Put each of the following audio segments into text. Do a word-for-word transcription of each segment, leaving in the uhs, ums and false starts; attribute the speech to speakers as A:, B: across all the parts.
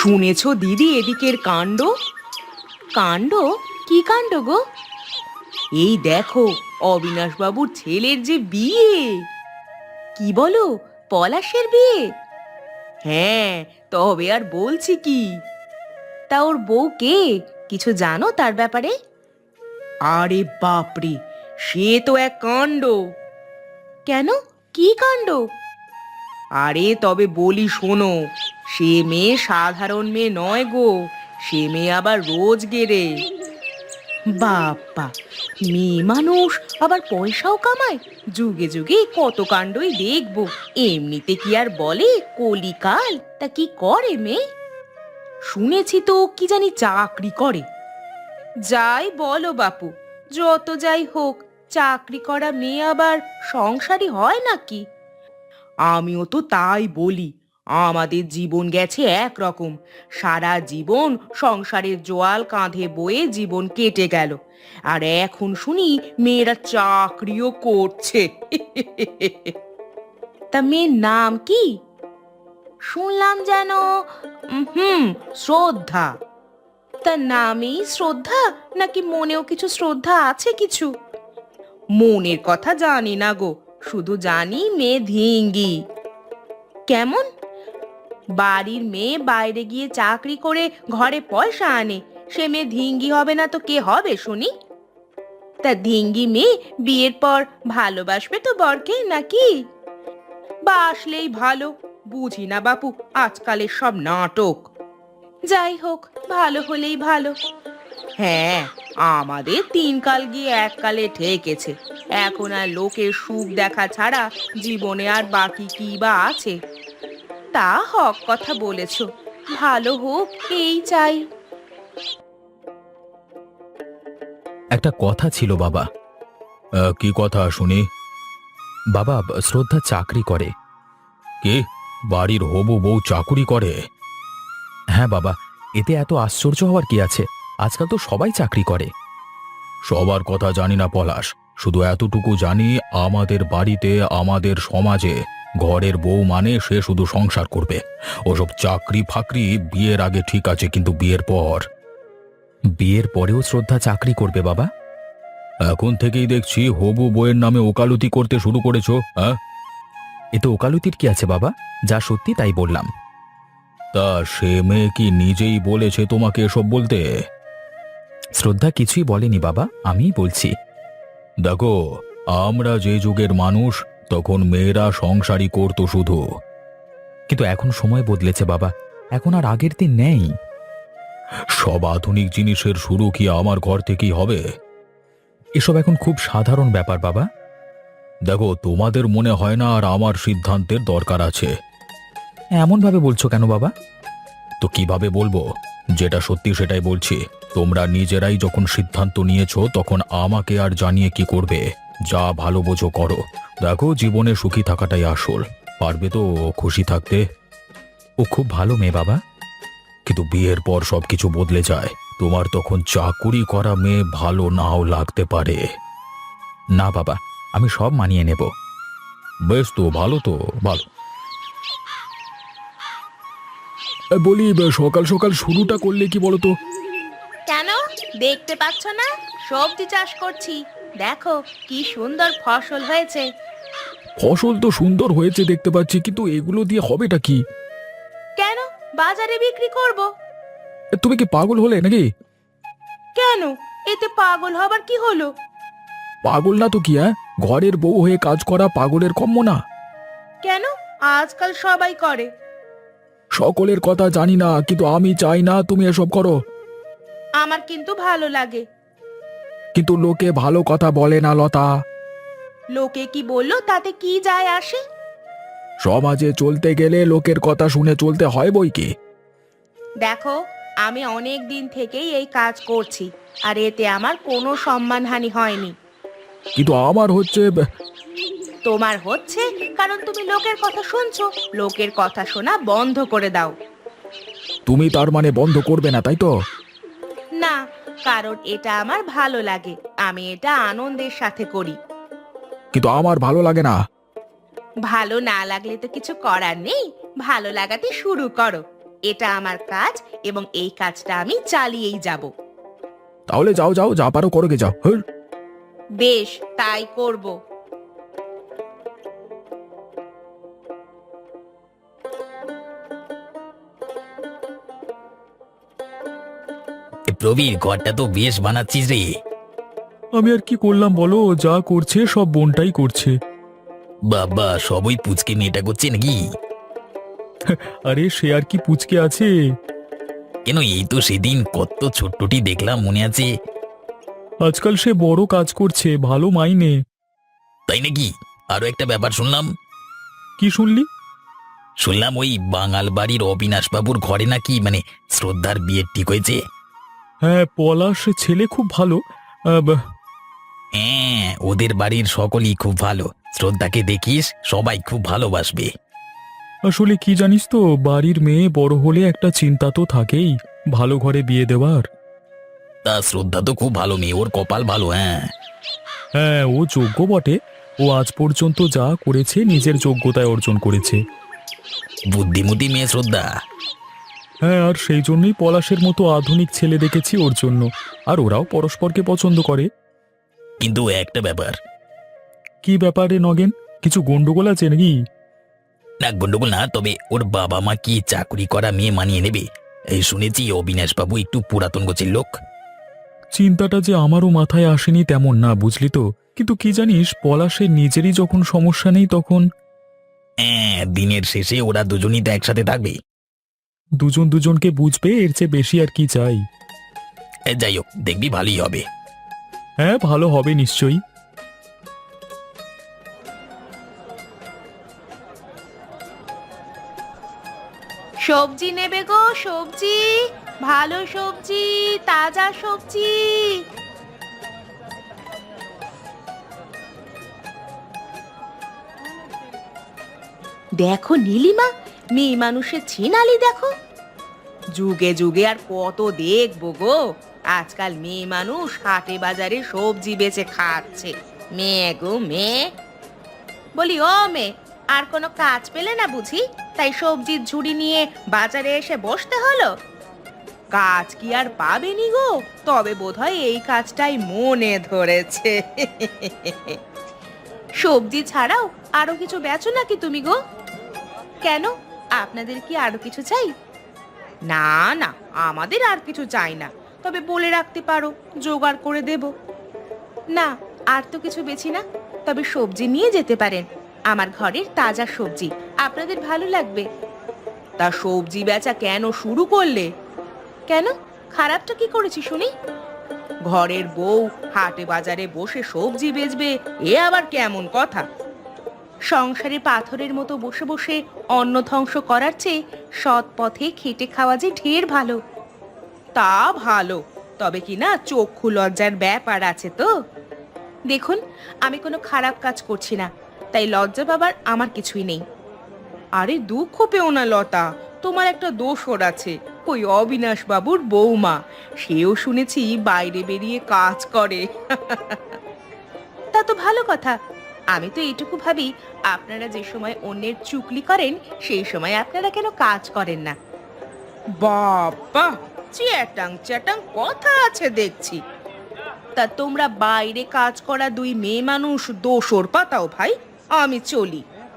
A: শুনেছো দিদি এদিকের কাণ্ড? কাণ্ড? কি কাণ্ড গো? এই দেখো, অবিনাশবাবুর ছেলের যে বিয়ে। কি বলো, পলাশের বিয়ে? হ্যাঁ, তবে আর বলছি কি। তা ওর বউ কে? কিছু জানো তার ব্যাপারে? আরে বাপরে, সে তো এক কাণ্ড। কেন, কি কাণ্ড? আরে তবে বলি শোনো, সে মেয়ে সাধারণ মেয়ে নয় গো, সে মেয়ে আবার রোজ গেরে। বাপ্পা, মেয়ে মানুষ আবার পয়সাও কামায়। যুগে যুগে কত কাণ্ডই দেখবো, এমনিতে কি আর বলে কলিকাল। তা কি করে মেয়ে? শুনেছি তো কি জানি চাকরি করে। যাই বলো বাপু, যত যাই হোক, চাকরি করা মেয়ে আবার সংসারী হয় নাকি? আমিও তো তাই বলি। আমাদের জীবন গেছে একরকম, সারা জীবন সংসারের জোয়াল কাঁধে বয়ে জীবন কেটে গেল, আর এখন শুনি মেয়েরা চাকরিও করছে। তা মেয়ের নাম কি? শুনলাম যেন উম, হুম শ্রদ্ধা। তার নামেই শ্রদ্ধা, নাকি মনেও কিছু শ্রদ্ধা আছে কিছু? মনের কথা জানি না গো, শুধু জানি মেয়ে ধিঙ্গি। কেমন? বাড়ির মেয়ে বাইরে গিয়ে চাকরি করে ঘরে পয়সা আনে, সে মেয়ে ধিঙ্গি হবে না তো কে হবে শুনি? তা ধিঙ্গি মেয়ে বিয়ের পর ভালোবাসবে তো বরকে নাকি? বাসলেই ভালো। বুঝি না বাপু আজকালের সব নাটক। যাই হোক, ভালো হলেই ভালো। হ্যাঁ, আমাদের তিন কাল গিয়ে এক কালে ঠেকেছে। এখন আর লোকের সুখ দেখা ছাড়া জীবনে আর বাকি কি বা আছে? তা হক কথা বলেছ, ভালো হোক এই চাই।
B: একটা কথা ছিল বাবা। আহ, কি কথা শুনি? বাবা, শ্রদ্ধা চাকরি করে। কি? বাড়ির হবু বউ চাকুরি করে? হ্যাঁ বাবা, এতে এত আশ্চর্য হওয়ার কি আছে? আজকাল তো সবাই চাকরি করে। সবার কথা জানি না পলাশ, শুধু এতটুকু জানি, আমাদের বাড়িতে, আমাদের সমাজে ঘরের বউ মানে সে শুধু সংসার করবে। ওসব চাকরি ফাকরি বিয়ের আগে ঠিক আছে, কিন্তু বিয়ের পর? বিয়ের পরেও শ্রদ্ধা চাকরি করবে বাবা? এখন থেকেই দেখছি হবু বউয়ের নামে ওকালতি করতে শুরু করেছো। হ্যাঁ, এতে ওকালতির কি আছে বাবা? যা সত্যি তাই বললাম। তা সে মেয়ে কি নিজেই বলেছে তোমাকে এসব বলতে? শ্রদ্ধা কিছুই বলেনি বাবা, আমিই বলছি। দেখো, আমরা যে যুগের মানুষ, তখন মেয়েরা সংসারই করতো শুধু। কিন্তু এখন সময় বদলেছে বাবা, এখন আর আগের দিন নেই। সব আধুনিক জিনিসের শুরু কি আমার ঘর থেকেই হবে? এসব এখন খুব সাধারণ ব্যাপার বাবা। দেখো, তোমাদের মনে হয় না আর আমার সিদ্ধান্তের দরকার আছে? এমন ভাবে বলছো কেন বাবা? তো কিভাবে বলবো? যেটা সত্যি সেটাই বলছি। তোমরা নিজেরাই যখন সিদ্ধান্ত নিয়েছো, তখন আমাকে আর জানিয়ে কি করবে? যা ভালো বোঝো করো। দেখো, জীবনে সুখী থাকাটাই আসল। পারবে তো খুশি থাকতে? ও খুব ভালো মেয়ে বাবা। কিন্তু বিয়ের পর সবকিছু বদলে যায়। তোমার তখন চাকুরি করা মেয়ে ভালো নাও লাগতে পারে। না বাবা, আমি সব মানিয়ে নেব। বেশ, তো ভালো, তো ভালো। বলি, সকাল সকাল শুরুটা করলে কি বলতো?
A: কেন, দেখতে পাচ্ছ না সবজি চাষ করছি? দেখো কি সুন্দর ফসল হয়েছে।
B: ফসল তো সুন্দর হয়েছে দেখতে পাচ্ছি, কিন্তু এগুলো দিয়ে হবেটা কি?
A: কেন, বাজারে বিক্রি করব।
B: এ, তুমি কি পাগল হলে নাকি?
A: কেন, এতে পাগল হবার কি হলো?
B: পাগল না তো কি? হ্যাঁ, ঘরের বউ হয়ে কাজ করা পাগলের কম্য না।
A: কেন, আজকাল সবাই করে।
B: সকলের কথা জানি না, কিন্তু আমি চাই না তুমি এসব করো।
A: আমার কিন্তু ভালো লাগে।
B: কিন্তু লোকে ভালো কথা বলে না লতা।
A: লোকে কি বললো তাতে কি যায় আসে?
B: সমাজে চলতে গেলে লোকের কথা শুনে চলতে হয় বই কি।
A: দেখো, আমি অনেক দিন থেকেই এই কাজ করছি, আর এতে আমার কোনো সম্মানহানি হয়নি।
B: কিন্তু আমার হচ্ছে।
A: তোমার হচ্ছে কারণ তুমি লোকের কথা শুনছো। লোকের কথা শোনা বন্ধ করে দাও।
B: তুমি তার মানে বন্ধ করবে না, তাই তো?
A: না, কারণ এটা আমার ভালো লাগে, আমি এটা আনন্দের সাথে করি।
B: কিন্তু আমার ভালো লাগে না।
A: ভালো না লাগলে তো কিছু করার নেই, ভালো লাগাতে শুরু করো। এটা আমার কাজ এবং এই কাজটা আমি চালিয়েই যাব।
B: তাহলে যাও যাও, যা পারো করো গে যাও। হ্যাঁ।
A: বেশ, তাই করব।
C: প্রবীর, ঘরটা তো বেশ বানাচ্ছিস রে।
B: আমি আর কি করলাম বলো, যা করছে সব বোনটাই করছে।
C: বাবা, সবই পুচকে মেয়েটা করছে নাকি?
B: আরে সে আর কি পুচকে আছে।
C: কেন, এই তো সেদিন কত ছোট্টটি দেখলাম, মনে আছে?
B: আজকাল সে বড় কাজ করছে, ভালো মাইনে।
C: তাই নাকি? আরো একটা ব্যাপার শুনলাম।
B: কি শুনলি?
C: শুনলাম ওই বাঙাল বাড়ির অবিনাশ বাবুর ঘরে নাকি মানে শ্রদ্ধার বিয়ে ঠিক হয়েছে।
B: হ্যাঁ, পলাশ ছেলে খুব ভালো। আহ, বা-
C: হ্যাঁ, ওদের বাড়ির সকলেই খুব ভালো। শ্রদ্ধাকে দেখিস, সবাই খুব ভালোবাসবে।
B: আসলে কি জানিস তো, বাড়ির মেয়ে বড় হলে একটা চিন্তা তো থাকেই, ভালো ঘরে বিয়ে দেওয়ার।
C: তা শ্রদ্ধা তো খুব ভালো মেয়ে, ওর কপাল ভালো। হ্যাঁ,
B: হ্যাঁ, ও যোগ্য বটে। ও আজ পর্যন্ত যা করেছে নিজের যোগ্যতায় অর্জন করেছে।
C: বুদ্ধিমতী মেয়ে শ্রদ্ধা।
B: হ্যাঁ, আর সেই জন্যই পলাশের মতো আধুনিক ছেলে দেখেছি ওর জন্য। আর ওরাও পরস্পরকে পছন্দ করে।
C: কিন্তু একটা ব্যাপার।
B: কি ব্যাপারে নগেন? কিছু গন্ডগোল আছে নাকি?
C: না, গন্ডগোল না, তবে ওর বাবা মা কি চাকরি করা মেয়ে মানিয়ে নেবে? এই শুনেছি অবিনাশ বাবু একটু পুরাতন গোছের লোক।
B: চিন্তাটা যে আমারও মাথায় আসেনি তেমন না, বুঝলি তো। কিন্তু কি জানিস, পলাশের নিজেরই যখন সমস্যা নেই তখন
C: হ্যাঁ, দিনের শেষে ওরা দুজনই তো একসাথে থাকবে।
B: দুজন দুজনকে বুঝবে, এর চেয়ে বেশি আর কি চাই।
C: এ, যাই হোক, দেখবি ভালোই হবে।
B: হ্যাঁ, ভালো হবে নিশ্চয়ই।
A: সবজি নেবে গো, সবজি, ভালো সবজি, তাজা সবজি। দেখো নীলিমা, মেয়ে মানুষের ছিনালি দেখো। যুগে যুগে আর কত দেখবো গো। আজকাল মেয়ে মানুষ হাটে বাজারে সবজি বেচে খাচ্ছে। মেয়ে গো মেয়ে। বলি ও মেয়ে, আর কোনো কাজ পেলে না বুঝি, তাই সবজির ঝুড়ি নিয়ে বাজারে এসে বসতে হলো? কাজ কি আর পাবেনি গো, তবে বোধহয় এই কাজটাই মনে ধরেছে। সবজি ছাড়াও আরো কিছু বেচো নাকি তুমি গো? কেন, আপনাদের কি আরো কিছু চাই? না না, আমাদের আর কিছু চাই না, তবে বলে রাখতে পারো, জোগাড় করে দেব। না, আর তো কিছু বেচি না, তবে সবজি নিয়ে যেতে পারেন। আমার ঘরের তাজা সবজি আপনাদের ভালো লাগবে। তা সবজি বেচা কেন শুরু করলে? কেন, খারাপটা কি করেছি শুনি? ঘরের বউ হাটে বাজারে বসে সবজি বেচবে, এ আবার কেমন কথা? সংসারে পাথরের মতো বসে বসে অন্ন ধ্বংস করার চেয়ে সৎ পথে খেটে খাওয়া যে ঢের ভালো। তা ভালো, তবে কি না চক্ষু লজ্জার ব্যাপার আছে তো। দেখুন, আমি কোনো খারাপ কাজ করছি না, তাই লজ্জা পাবার আমার কিছুই নেই। আরে দুঃখ পেও না লতা, তোমার একটা দোষর আছে। ওই অবিনাশ বাবুর বৌমা, সেও শুনেছি বাইরে বেরিয়ে কাজ করে। তা তো ভালো কথা। আমি তো এইটুকু ভাবি, আপনারা যে সময় অন্যের চুগলি করেন সেই সময় আপনারা কেন কাজ করেন না? বাবা, চ্যাটাং চ্যাটাং কথা আছে দেখছি। তা তোমরা বাইরে কাজ করা দুই মেয়ে মানুষ দোষর পাতাও ভাই, আমি চলি।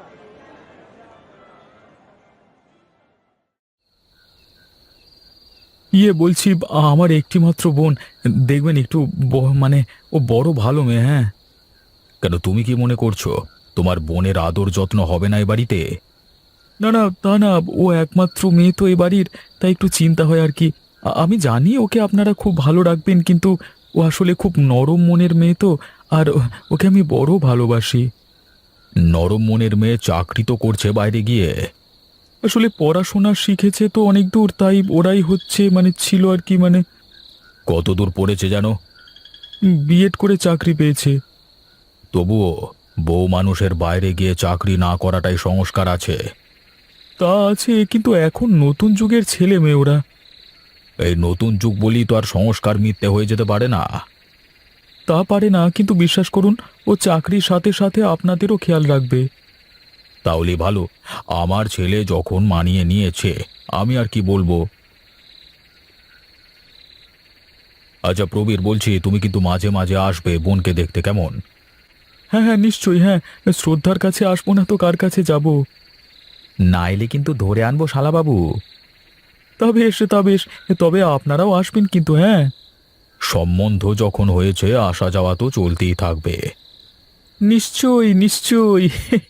B: ইয়ে বলছি, আমার একটি মাত্র বোন, দেখবেন একটু ব- মানে ও বড় ভালো মেয়ে। হ্যাঁ। কেন, তুমি কি মনে করছো তোমার বোনের আদর যত্ন হবে না এ বাড়িতে? না না, তা না, ও একমাত্র মেয়ে তো এ বাড়ির, তাই একটু চিন্তা হয় আর কি। আ- আমি জানি ওকে আপনারা খুব ভালো রাখবেন, কিন্তু ও আসলে খুব নরম মনের মেয়ে তো, আর ও- ওকে আমি বড় ভালোবাসি। নরম মনের মেয়ে চাকরি তো করছে বাইরে গিয়ে। আসলে পড়াশোনা শিখেছে তো অনেক দূর, তাই ওরাই হচ্ছে মানে ছিল আর কি। মানে কত দূর পড়েছে জানো? বিএড করে চাকরি পেয়েছে। তবুও বউ মানুষের বাইরে গিয়ে চাকরি না করাটাই সংস্কার আছে। তা আছে, কিন্তু এখন নতুন যুগের ছেলে মেয়ে ওরা। এই নতুন যুগ বলি তো আর সংস্কার মিথ্যে হয়ে যেতে পারে না। তা পারে না, কিন্তু বিশ্বাস করুন, ও চাকরির সাথে সাথে আপনাদেরও খেয়াল রাখবে। তাহলে ভালো। আমার ছেলে যখন মানিয়ে নিয়েছে, আমি আর কি বলবো। আচ্ছা প্রবীর, বলছি তুমি কিন্তু মাঝে মাঝে আসবে বোনকে দেখতে, কেমন? হ্যাঁ হ্যাঁ নিশ্চয়ই, হ্যাঁ। শ্রদ্ধার কাছে আসবো না তো কার কাছে যাব? না এলে কিন্তু ধরে আনবো শালাবাবু। তবে এসে তবে এস তবে আপনারাও আসবেন কিন্তু, হ্যাঁ। সম্বন্ধ যখন হয়েছে আসা যাওয়া তো চলতেই থাকবে। নিশ্চয়ই নিশ্চয়ই।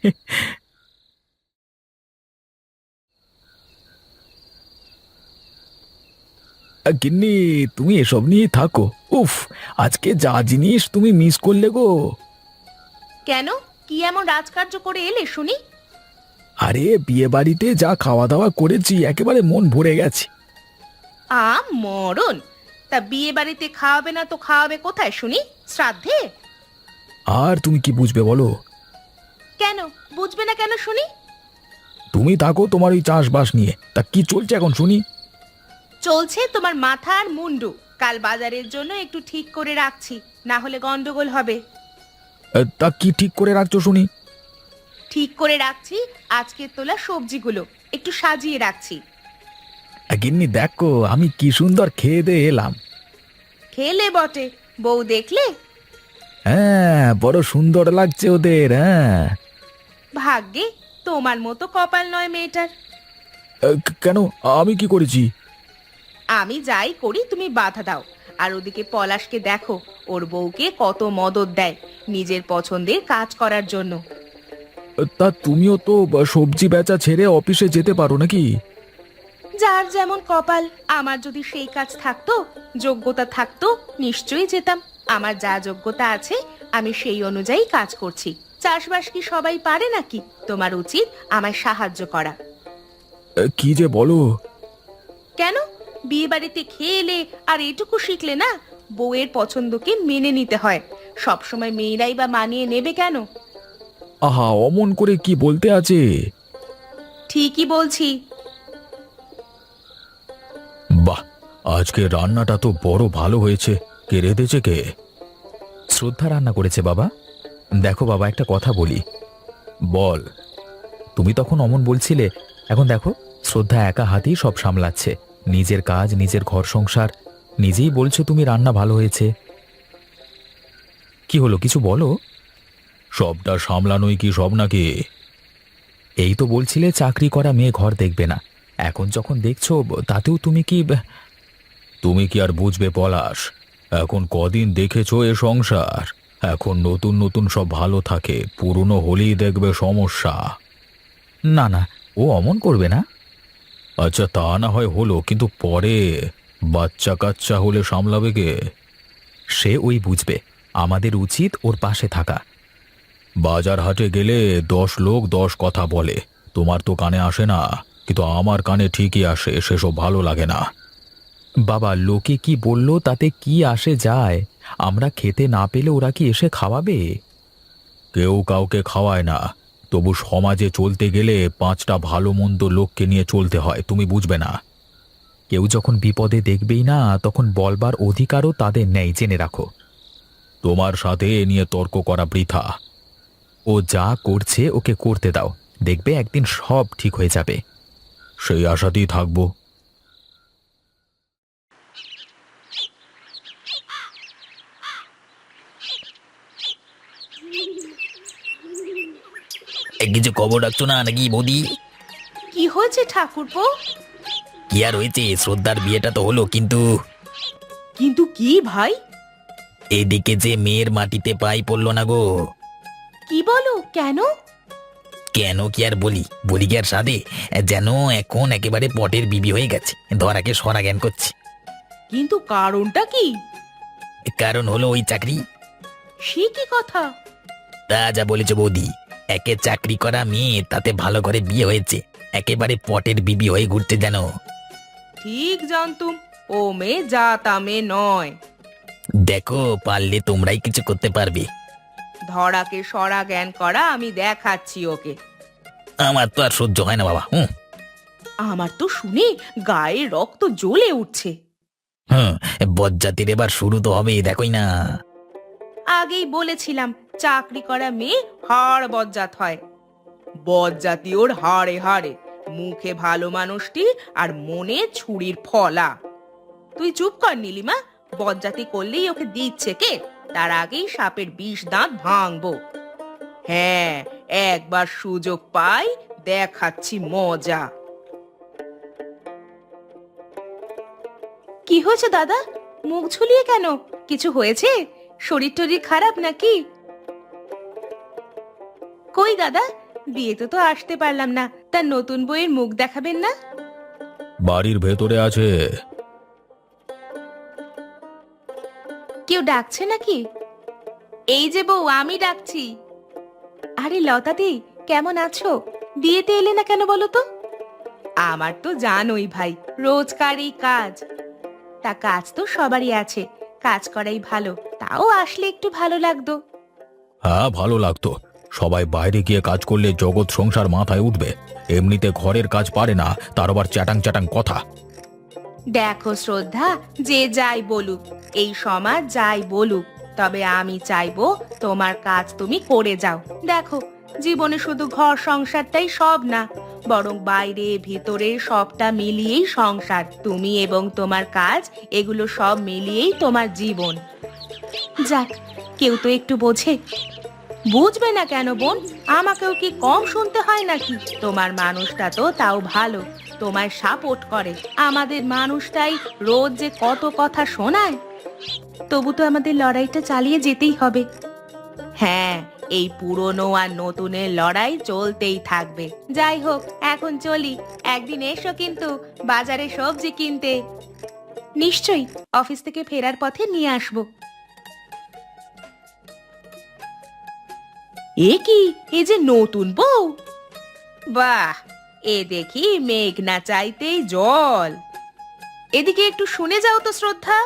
B: গিন্নি, তুমি এসব নিয়ে থাকো। উফ, আজকে যা জিনিস তুমি মিস করলে গো।
A: কেন, কি এমন রাজকার্য করে এলে শুনি?
B: আরে বিয়ে বাড়িতে যা খাওয়া দাওয়া করেছি একেবারে মন ভরে গেছে।
A: আ মরণ! তা বিয়ে বাড়িতে খাওয়াবে না তো খাওয়াবে কোথায় শুনি? শ্রাদ্ধে?
B: আর তুমি কি বুঝবে বলো?
A: কেন বুঝবে না কেন শুনি?
B: তুমি থাকো তোমার ওই চাষবাস নিয়ে। তা কি চলছে এখন শুনি?
A: চলছে তোমার মাথা আর মুন্ডু। কাল বাজারের জন্য একটু ঠিক করে রাখছি, না হলে গন্ডগোল হবে।
B: এ, তা কি ঠিক করে রাখছো শুনি?
A: ঠিক করে রাখছি আজকে তোলা সবজিগুলো একটু সাজিয়ে রাখছি।
B: গিন্নি দেখো আমি কি সুন্দর খেয়ে দিয়ে এলাম।
A: খেলে বটে, বউ দেখলে?
B: হ্যাঁ, বড় সুন্দর লাগছে ওদের। হ্যাঁ।
A: ভাগ্যে তোমার মতো কপাল নয় মেয়েটার।
B: এ, কেন, আমি কি করেছি?
A: আমি যাই করি তুমি বাধা দাও। আর ওদিকে পলাশকে দেখো, ওর বউকে কত মদত দেয় নিজের পছন্দের কাজ করার জন্য।
B: তা তুমিও তো সবজি বেচা ছেড়ে অফিসে যেতে পারো নাকি?
A: যার যেমন কপাল। আমার যদি সেই কাজ থাকতো, যোগ্যতা থাকতো, নিশ্চয়ই যেতাম। আমার যা যোগ্যতা আছে আমি সেই অনুযায়ী কাজ করছি। চাষবাস কি সবাই পারে নাকি? তোমার উচিত আমায় সাহায্য করা।
B: এ, কি যে বলো!
A: কেন, বিয়ে বাড়িতে খেয়ে এলে আর এটুকু শিখলে না? বউয়ের পছন্দকে মেনে নিতে হয়। সবসময় মেয়েরাই বা মানিয়ে নেবে কেন?
B: আহা, অমন করে কি বলতে আছে?
A: ঠিকই বলছি।
B: বাহ, আজকে রান্নাটা তো বড় ভালো হয়েছে। কে রেঁধেছে কে? শ্রদ্ধা রান্না করেছে বাবা। দেখো বাবা, একটা কথা বলি। বল। তুমি তখন অমন বলছিলে, এখন দেখো শ্রদ্ধা একা হাতেই সব সামলাচ্ছে। নিজের কাজ, নিজের ঘর সংসার। নিজেই বলছো তুমি রান্না ভালো হয়েছে। কি হলো, কিছু বলো। সবটা সামলানোই কি সব নাকি? এই তো বলছিলে চাকরি করা মেয়ে ঘর দেখবে না, এখন যখন দেখছো তাতেও তুমি কি তুমি কি আর বুঝবে পলাশ? এখন কদিন দেখেছো এ সংসার। এখন নতুন নতুন সব ভালো থাকে, পুরনো হলেই দেখবে সমস্যা। না না, ও অমন করবে না। আচ্ছা তা না হয় হলো, কিন্তু পরে বাচ্চা কাচ্চা হলে সামলাবে কে? সে ওই বুঝবে। আমাদের উচিত ওর পাশে থাকা। বাজার হাটে গেলে দশ লোক দশ কথা বলে, তোমার তো কানে আসে না, কিন্তু আমার কানে ঠিকই আসে। সেসব ভালো লাগে না। বাবা, লোকে কি বললো তাতে কি আসে যায়? আমরা খেতে না পেলে ওরা কি এসে খাওয়াবে? কেউ কাউকে খাওয়ায় না, তবু সমাজে চলতে গেলে পাঁচটা ভালো মন্দ লোককে নিয়ে চলতে হয়, তুমি বুঝবে না? কেউ যখন বিপদে দেখবেই না, তখন বলবার অধিকারও তাদের নেই, জেনে রাখো। তোমার সাথে এ নিয়ে তর্ক করা বৃথা। ও যা করছে ওকে করতে দাও, দেখবে একদিন সব ঠিক হয়ে যাবে। সেই আশাতেই থাকবো।
C: এ, কিছু খবর রাখছো না নাকি বৌদি?
A: কি হয়েছে ঠাকুরপো?
C: কি আর হয়েছে, শ্রদ্ধার বিয়েটা তো হলো, কিন্তু
A: কিন্তু কি ভাই?
C: এদিকে যে মেয়ের মাটিতে পাই পড়লো না গো।
A: কি বলো, কেন?
C: কেন কি আর বলি, বলি কি আর সাধে? যেন এখন একেবারে পটের বিবি হয়ে গেছে, ধরাকে সরা জ্ঞান করছে।
A: কিন্তু কারণটা কি?
C: কারণ হলো ওই চাকরি।
A: সে কি কথা?
C: তা যা বলেছ বৌদি, একে চাকরি করা মেয়ে, তাতে ভালো করে বিয়ে হয়েছে, একেবারে পটের বিবি হয়ে ঘুরতে যেন।
A: ঠিক জানতুম, ও মেয়ে যা তা মেয়ে নয়।
C: দেখো পারলে তোমরাই কিছু করতে পারবে।
A: ধরাকে সরা জ্ঞান করা আমি দেখাচ্ছি ওকে।
C: আমার তো আর সহ্য হয় না বাবা। হুম
A: আমার তো শুনে গায়ে রক্ত জ্বলে উঠছে।
C: হুম বজ্জাতির এবার শুরু তো হবে, দেখোই না।
A: আগেই বলেছিলাম, চাকরি করা মেয়ে হাড় বজ্জাত হয়। বজ্জাতি ওর হাড়ে হাড়ে, মুখে ভালো মানুষটি আর মনে ছুরির ফলা। তুই চুপ কর নীলিমা, বজ্জাতি করলেই ওকে দিচ্ছে কে, তার আগেই সাপের বিষ দাঁত ভাঙবো। হ্যাঁ, একবার সুযোগ পাই দেখাচ্ছি মজা। কি হয়েছে দাদা, মুখ ঝুলিয়ে কেন? কিছু হয়েছে? শরীর টরীর খারাপ নাকি? কই দাদা, বিয়েতে তো আসতে পারলাম না, তার নতুন বইয়ের মুখ দেখাবেন না?
B: বাড়ির ভেতরে আছে।
A: কেউ ডাকছে নাকি? এই যে বউ, আমি ডাকছি। আরে লতাদি, কেমন আছো? বিয়েতে এলে না কেন বলো তো? আমার তো জানোই ভাই, রোজকারই কাজ। তা কাজ তো সবারই আছে, কাজ করাই ভালো, তাও আসলে একটু ভালো লাগতো।
B: হ্যাঁ, ভালো লাগতো। সবাই বাইরে গিয়ে কাজ করলে জগৎ সংসার মাথায় উঠবে। এমনিতে ঘরের কাজ পারে না, তার আবার চ্যাটাং চ্যাটাং কথা।
A: দেখো শ্রদ্ধা, যে যাই বলুক, এই সমাজ যাই বলুক, তবে আমি চাইবো তোমার কাজ তুমি করে যাও। দেখো, জীবনে শুধু ঘর সংসারটাই সব না, বরং বাইরে ভিতরে সবটা মিলিয়েই সংসার। তুমি এবং তোমার কাজ, এগুলো সব মিলিয়েই তোমার জীবন। যাক, কেউ তো একটু বোঝে। বুঝবে না কেন বোন? আমাকেও কি কম শুনতে হয় নাকি? তোমার মানুষটা তো তাও ভালো, তোমায় সাপোর্ট করে। আমাদের মানুষটাই রোজ যে কত কথা শোনায়। তবু তো আমাদের লড়াইটা চালিয়ে যেতেই হবে। হ্যাঁ, এই পুরনো আর নতুনের লড়াই চলতেই থাকবে। যাই হোক, এখন চলি। একদিন এসো কিন্তু বাজারে সবজি কিনতে। নিশ্চয়ই, অফিস থেকে ফেরার পথে নিয়ে আসবো। এ কি, এ যে নতুন বউ! বাহ, এ দেখি মেঘ না চাইতেই জল। এদিকে একটু শুনে যাও তো শ্রদ্ধা।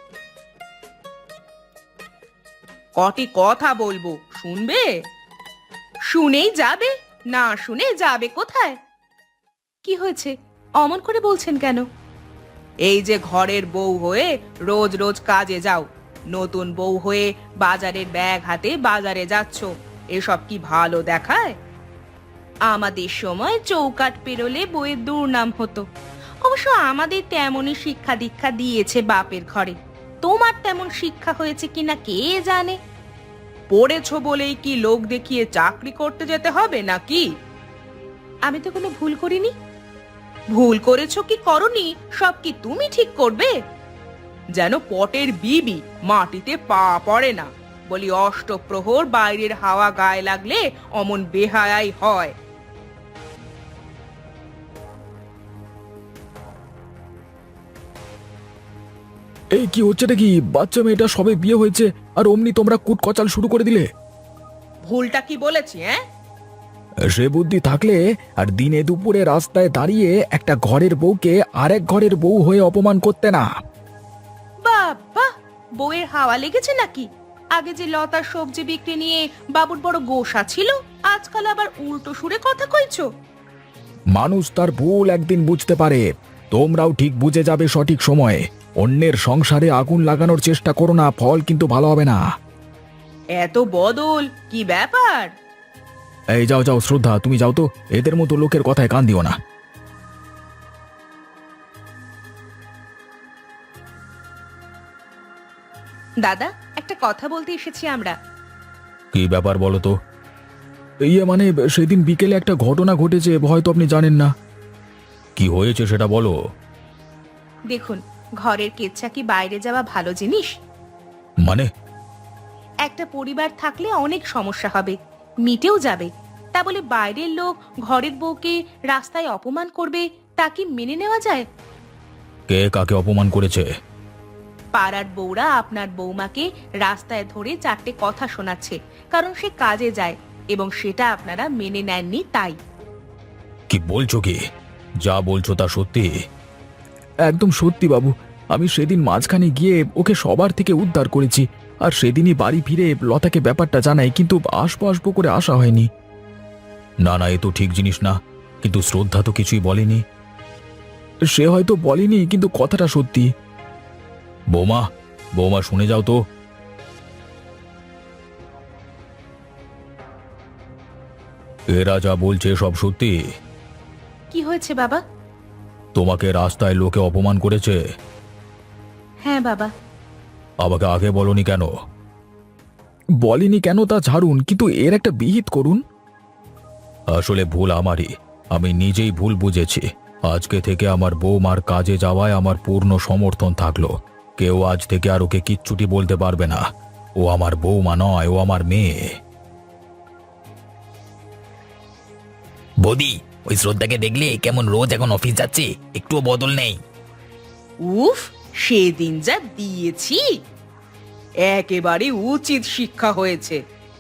A: কটি কথা বলবো, শুনবে? শুনেই যাবে, না শুনে যাবে কোথায়? কি হয়েছে, অমন করে বলছেন কেন? এই যে ঘরের বউ হয়ে রোজ রোজ কাজে যাও, নতুন বউ হয়ে বাজারের ব্যাগ হাতে বাজারে যাচ্ছ, এসব কি ভালো দেখায়? আমাদের সময় চৌকাঠ পেরোলে বইয়ের দুর্নাম হতো। অবশ্য আমাদের তেমনই শিক্ষা দীক্ষা দিয়েছে বাপের ঘরে। তোমার তেমন শিক্ষা হয়েছে কিনা কে জানে। পড়েছো বলেই কি লোক দেখিয়ে চাকরি করতে যেতে হবে নাকি? আমি তো কোনো ভুল করিনি। ভুল করেছো কি করনি, সব কি তুমি ঠিক করবে? যেন পটের বিবি, মাটিতে পা পড়ে না। বলি, অষ্টপ্রহর বাইরের হাওয়া গায়ে লাগলে অমন বেহায়াই হয়।
B: এই কি হচ্ছে নাকি? বাচ্চা মেয়েটা সবে বিয়ে হয়েছে আর অমনি তোমরা কুটকচাল শুরু করে দিলে।
A: ভুলটা কি বলেছি? হ্যাঁ,
B: সে বুদ্ধি থাকলে আর দিনে দুপুরে রাস্তায় দাঁড়িয়ে একটা ঘরের বউকে আরেক ঘরের বউ হয়ে অপমান করতে না।
A: বাবা, বউয়ের হাওয়া লেগেছে নাকি? আগে যে লতার সবজি বিক্রি নিয়ে বাবুর বড় গোসা ছিল, আজকাল আবার উল্টো সুরে কথা কইছো।
B: মানুষ তার ভুল একদিন বুঝতে পারে। তোমরাও ঠিক বুঝে যাবে সঠিক সময়ে। অন্যের সংসারে আগুন লাগানোর চেষ্টা করো না, ফল কিন্তু ভালো হবে না।
A: এত বদল, কি ব্যাপার?
B: এই যাও যাও শ্রদ্ধা, তুমি যাও তো, এদের মতো লোকের কথায় কান দিও না।
A: দাদা, একটা কথা বলতে এসেছি আমরা।
B: কি ব্যাপার বলো তো? ইয়ে মানে, সেদিন বিকেলে একটা ঘটনা ঘটেছে, হয়তো আপনি জানেন না। কি হয়েছে সেটা বলো।
A: দেখুন, ঘরের কেচ্ছা কি বাইরে যাওয়া ভালো জিনিস?
B: মানে?
A: একটা পরিবার থাকলে অনেক সমস্যা হবে, মিটেও যাবে। তা বলে বাইরের লোক ঘরের বউকে রাস্তায় অপমান করবে, তা কি মেনে নেওয়া যায়?
B: কে কাকে অপমান করেছে?
A: পাড়ার বউরা আপনার বৌমাকে রাস্তায় ধরে চারটে কথা শোনাচ্ছে, কারণ সে কাজে যায়, এবং সেটা আপনারা মেনে নেননি তাই।
B: কি বলছো কি? যা বলছো তা সত্যি? একদম সত্যি বাবু। আমি সেদিন মাঝখানে গিয়ে ওকে সবার থেকে উদ্ধার করেছি, আর সেদিনই বাড়ি ফিরে লতাকে ব্যাপারটা জানাই, কিন্তু আসবো আসবো করে আসা হয়নি। না না, এ তো ঠিক জিনিস না। কিন্তু শ্রদ্ধা তো কিছুই বলেনি। সে হয়তো বলেনি, কিন্তু কথাটা সত্যি। বৌমা, বৌমা শুনে যাও তো। এরা যা বলছে সব সত্যি?
A: কি হয়েছে বাবা?
B: তোমাকে রাস্তায় লোকে অপমান করেছে।
A: হ্যাঁ বাবা।
B: আমাকে আগে বলনি কেন? বলিনি কেন তা ছাড়ুন, কিন্তু এর একটা বিহিত করুন। আসলে ভুল আমারই, আমি নিজেই ভুল বুঝেছি। আজকে থেকে আমার বৌমার কাজে যাওয়ায় আমার পূর্ণ সমর্থন থাকলো। কেউ আজ থেকে আর ওকে কিচ্ছুটি বলতে পারবে না। ও আমার বৌমা নয়, ও আমার মেয়ে।
C: বৌদি, ওই শ্রদ্ধাকে দেখলে কেমন রোজ এখন অফিস যাচ্ছে, একটুও বদল নেই।
A: উফ, সেদিন যা দিয়েছি, একেবারে উচিত শিক্ষা হয়েছে।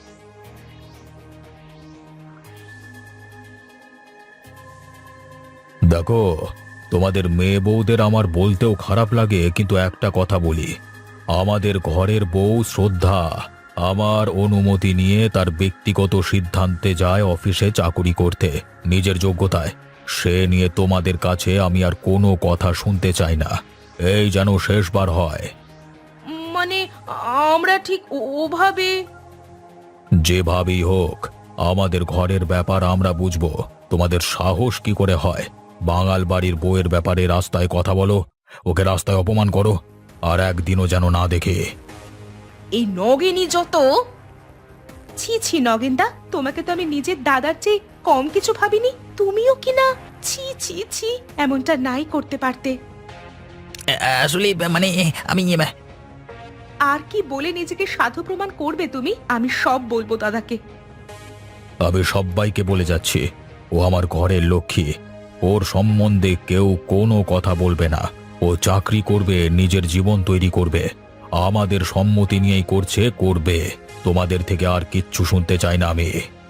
B: দেখো, তোমাদের মেয়ে বউদের আমার বলতেও খারাপ লাগে, কিন্তু একটা কথা বলি, আমাদের ঘরের বউ শ্রদ্ধা আমার অনুমতি নিয়ে তার ব্যক্তিগত সিদ্ধান্তে যায় অফিসে চাকুরি করতে, নিজের যোগ্যতায়। সে নিয়ে তোমাদের কাছে আমি আর কোনো কথা শুনতে চাই না। এই যেন শেষবার হয়।
A: মানে আমরা ঠিক ও- ওভাবে
B: যেভাবেই হোক, আমাদের ঘরের ব্যাপার আমরা বুঝবো। তোমাদের সাহস কি করে হয় বাঙাল বাড়ির বউয়ের ব্যাপারে রাস্তায় কথা বলো, ওকে রাস্তায় অপমান করো, আর একদিনও যেন না দেখে।
A: এই নগেনই যত। ছি ছি নগেনদা, তোমাকে তো আমি নিজের দাদার চেয়ে কম কিছু ভাবিনি। তুমিও কি না? ছি ছি ছি, এমনটা নাই করতে পারতে।
C: আ- আসলে মানে আমি
A: আর কি বলে নিজেকে সাধু প্রমাণ করবে তুমি? আমি সব বলবো দাদাকে।
B: আমি সবাইকে বলে যাচ্ছি, ও আমার ঘরের লক্ষ্মী। ওর সম্বন্ধে কেউ কোনো কথা বলবে না। ও চাকরি করবে, নিজের জীবন তৈরি করবে, আমাদের সম্মতি নিয়েই করছে, করবে। তোমাদের থেকে আর কিচ্ছু শুনতে চাই না আমি।